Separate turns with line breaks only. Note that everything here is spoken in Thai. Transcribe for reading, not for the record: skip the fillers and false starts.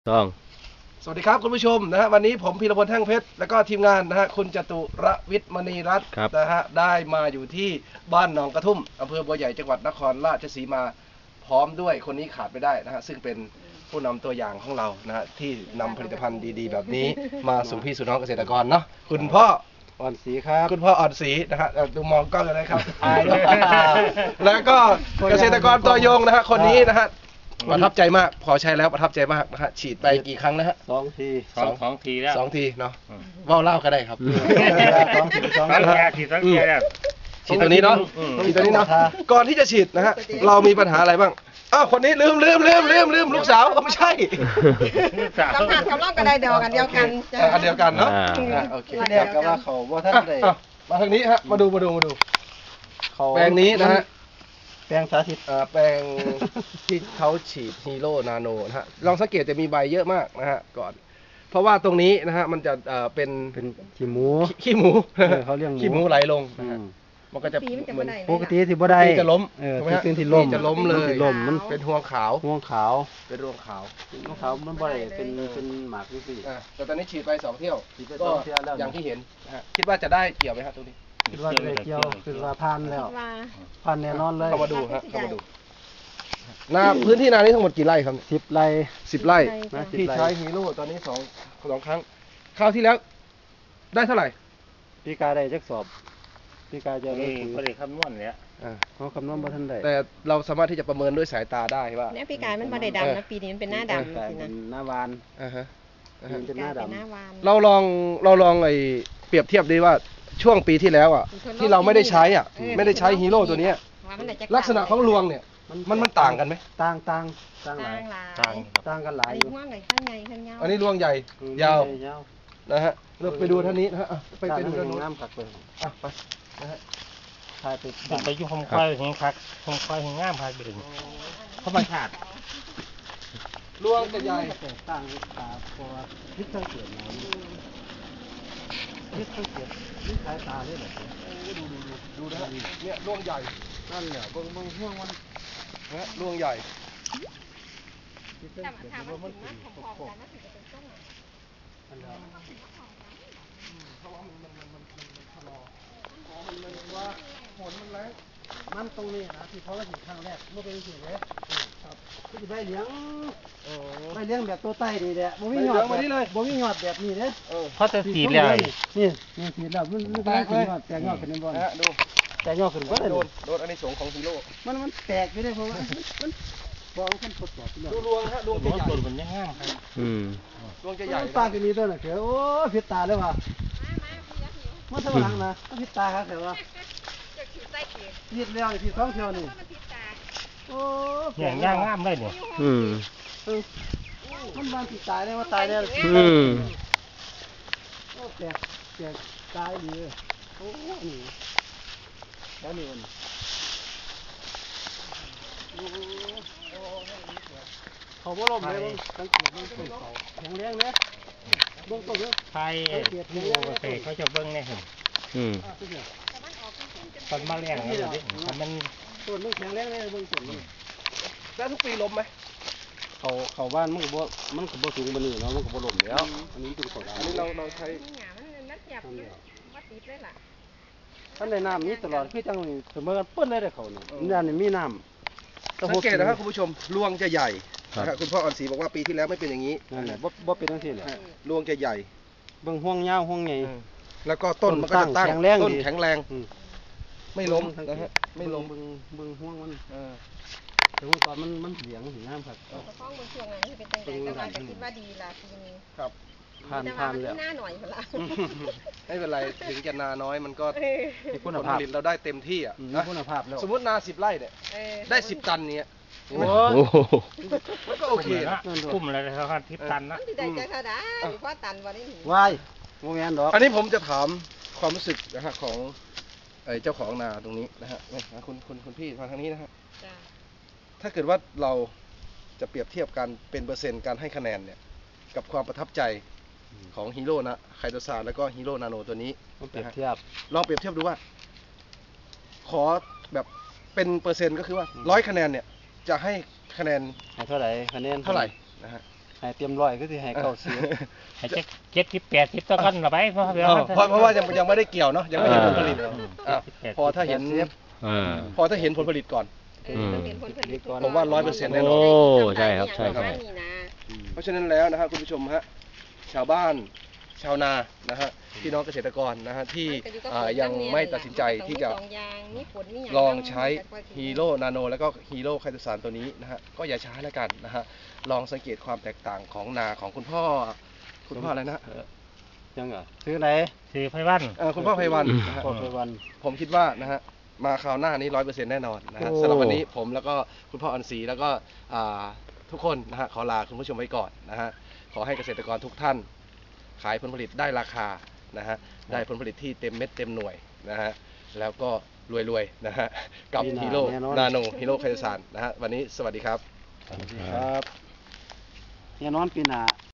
ต้อง
สวัสดีครับคุณผู้ชมนะฮะวันนี้ผมพีรพลแท่งเพชรแล้วก็ทีมงานนะฮะคุณจตุรวิทย์มณีรัตน์นะฮะได้มาอยู่ที่บ้านหนองกระทุ่มอำเภอบัวใหญ่จังหวัดนครราชสีมาพร้อมด้วยคนนี้ขาดไม่ได้นะฮะซึ่งเป็นผู้นำตัวอย่างของเรานะฮะที่นำผลิตภัณฑ์ดีๆแบบนี้มาสู่พี่สู่น้องเกษตรกรเนาะคุณพ่อ
อ่อนสีครับ
คุณพ่ออ่อนศรีนะฮะดูมองกล้องกันนะครับอายด้วยแล้วก็เกษตรกรตัวยงนะฮะคนนี้นะฮะประทับใจมากพอใช้แล้วประทับใจมากนะฮะฉีดไปกี่ครั้งนะฮะ
2 ที
2 ทีแล้ว
2 ทีเนาะว่าวเล่าก็ได้ครับ
2 ที
2 ทีแล้ว
ฉีดตัวนี้เนาะฉีดตัวนี้เนาะก่อนที่จะฉีดนะฮะเรามีปัญหาอะไรบ้างอ้าวคนนี้ลืมลูกสาวไม่ใช่
กำลังกันได้เดียวกัน
อันเดียวกันเนาะโอเค
เรียกกันว่าเขาว่าท่านได้
มาทางนี้ฮะมาดูแปลงนี้นะฮะ
แปลงสาธิต
แปลงที่เขาฉีดฮีโร่นาโนนะฮะลองสังเกตจะมีใบเยอะมากนะฮะก่อนเพราะว่าตรงนี้นะฮะมันจะเป็น
ขี้หมู
เขาเรียกขี้หมูไหลลงนะฮะมันก็จะเหมือน
ปกติที่บ่ได้
จะล้ม
ที่ล้ม
จะล้มเลย
มัน
เป็นห่วงขาว
เป็นรวงขาวมันบ่ได้เป็นหมากนี่สิ
แต่ตอนนี้ฉีดไป2 เที่ยวก็อย่างที่เห็นนะฮะคิดว่าจะได้เกี่ยวไหมครับตรงนี้
คิดว่าจะได้เกี่ยวคือว่าผ่านแล้วผ่านแน่นอนเลย
เข้ามาดูฮะเข้ามาดูนาพื้นที่นานี้ทั้งหมดกี่ไร่ครับ
10 ไร่
10 ไร่ที่ใช้ฮีโร่ตอนนี้2 ครั้งคราวที่แล้วได้เท่าไหร่
ปีกาได้จักสอบปีกาจะได้
บ่ได้คำนวณเนี่ย
เขาคำนวณบ่ทันได้
แต่เราสามารถที่จะประเมินด้วยสายตาได้ว่า
เนี่ยปีกายมันบ่ได้ดำนะปีนี้มันเป็นหน้าดำ
สินะหน้าวาน
เป็นหน้าดำ
เราลองไอ้เปรียบเทียบดีว่าช่วงปีที่แล้วอ่ะที่เราไม่ได้ใช้ฮีโร่ตัวนี้ลักษณะของรวงเนี่ยมันต่างกันไหม
ต่างกันหลาย
อันนี้รวงใหญ่ยาวนะฮะเราไปดูท่านนี้นะฮะไปดูท่านนู้น
น้ำขักเลย
ไปนะฮะ
ถ่าย
ไปยุ่งคมควายเห็นคักคมควายเห็นงามพายไปถึงเพราะมันขาด
รวงจะใหญ่
ต่างตาเพราะว่าพิษทั้งเกิดน้ำพิษทั้งเกิดพิษสายตาเลยเหรอ
ดูนะเนี่ยรวงใหญ่
นั่นแหละเบิ่งห่วงมัน
นะรวงใหญ่
แต่ถามว่ามันถึงมากพอๆกันมันถึงจะเป็นต้น
ว่าฝนมันแรง
มันตรงนี้นะที่เขาเห็นครั้งแรกเมื่อเป็นสิ่งเลยครับที่ใบเหลียงแบบตัวไตนี่แหละบ่มีหยอดแบบนี้เด้
เขาจะสีแล้ว
นี่สีแล้วมันแตกเลยแตกยอดขึ้นบน
ดู
แตกยอดขึ้นก็
โดนอันนี้สงของฮีโร่
มันแตกไปได้เพราะว่ามันบอกมันทดสอบ
ดูรวงฮะรวงจะใหญ่
มันยังงามครับ
รวงจะใหญ่
ตาจะมีตัวน่ะเขียวโอ้ผิดตาเลยว่ะมันสว่างนะผิดตาครับแต่ว่าผิดแล้วผิด2 เที่ยวนี่โอ้
อย่างงามเลยเนี่ย
มันบางผิดตายได้ว่าตายได้โอ้แตกตายดีโอ้นี่แล้วนี่วันเขาบ่ล้มเลยสังเกตมันเป็นเขาแข็งแรงเนี่ยเบื้องต้นเนี่ย
ไทยเขาจะเบิ้งเนี่ยตอนมาแรงมัน
ต้นมันแข็งแรงเลยเบื้องต้น
แล้วทุกปีล้มไหม
เขาบ้านมันก็บ่สูงบนนี้เนาะมันก็บ่ล้มแล้วอันนี้เป็นของ
อันนี้เราใช้
ท่านในน้ำนี้ตลอดคือจังเสมอกันเปิ้นเลยเขานี่นี่มีน้ำ
สังเกตนะครับคุณผู้ชมรวงจะใหญ่นะครับคุณพ่ออ่อนศรีบอกว่าปีที่แล้วไม่เป็นอย่างนี้
นั่นแหละบ่เป็นจังซี่แหละ
รวงจะใหญ่
เบิ่งห่วงยาวห่วงใหญ่
แล้วก็ต้นมันก็จะตั้งต้นแข็งแรงไม่ล้มนะฮะไม่ล้ม
เบิ่งห่วงมันแต่ว่าตอนมันเหลียงสีน้ำครับ
ฟ้องบนช่วงนั้นที่เป็นตั้งแต่ก็จะคิดว่าดีละปีนี้
ครับ
ผ่าน
แล้วหน้าหน่อยละ
ไม่เป็นไรถึงจะนาน้อยมันก็
คุณภาพ
เราได้เต็มที่อ่ะ
คุณภาพแล้ว
สมมตินา10 ไร่เนี่ยได้10 ตันเนี้ย
โอ้
มันก็โอเคนะ
คุ้มเลยครับ10 ตันนะ
ได้ใจเขาได้เพราะตันวันนี้
วายโมเมนต์ดอก
อันนี้ผมจะถามความรู้สึกนะฮะของเจ้าของนาตรงนี้นะฮะคุณพี่มาทางนี้นะฮะถ้าเกิดว่าเราจะเปรียบเทียบกันเป็นเปอร์เซ็นต์การให้คะแนนเนี่ยกับความประทับใจของฮีโร่นะไคโตซานแล้วก็ฮีโร่นาโนตัวนี้
ลองเปรียบเทียบ
ดูว่าขอแบบเป็นเปอร์เซ็นต์ก็คือว่า100 คะแนนเนี่ยจะให้คะแนน
เท่าไหร่คะแนน
เท่าไหร่นะฮะ
ให้เตรียมร้อยก็สิให้เก้าสิบ
ให้จะ70-80ตัวกันละไปเพราะเดี๋ยว
เพราะว่ายังไม่ได้เกี่ยวเนาะยังไม่เห็นผลผลิตอ่ะพอถ้าเห็น
อ่า
พอถ้าเห็นผลผลิตก่อน
ต้องเห็นผลผลิตก่อน
ผมว่า100%แน่นอน
โอ้ใช่ครับใช่ใช่
นี่นะ
เพราะฉะนั้นแล้วนะครับคุณผู้ชมฮะชาวบ้านชาวนานะฮะพี่น้องเกษตรกรนะฮะที่ยังไม่ตัดสินใจที่จะลองใช้ฮีโร่นาโนแล้วก็ฮีโร่ไคโตซานตัวนี้นะฮะก็อย่าช้าแล้วกันนะฮะลองสังเกตความแตกต่างของนาของคุณพ่ออะไรนะ
ยังเหรอซื้อไหน
คือไพวัน
คุณพ่อไพวันนะฮะ
พอไปวัน
ผมคิดว่านะฮะมาคราวหน้านี้100%แน่นอนนะฮะ
โอ้
สำหรับวันนี้ผมแล้วก็คุณพ่ออันศรีแล้วก็ทุกคนนะฮะขอลาคุณผู้ชมไว้ก่อนนะฮะขอให้เกษตรกรทุกท่าน ขายผลผลิตได้ราคานะฮะได้ผลผลิตที่เต็มเม็ดเต็มหน่วยนะฮะแล้วก็รวยๆนะฮะกับฮีโร่นาโนฮีโร่ไคโตซานนะฮะวันนี้สวัสดีครับ
ครับเนี่ยนอนปีหน้า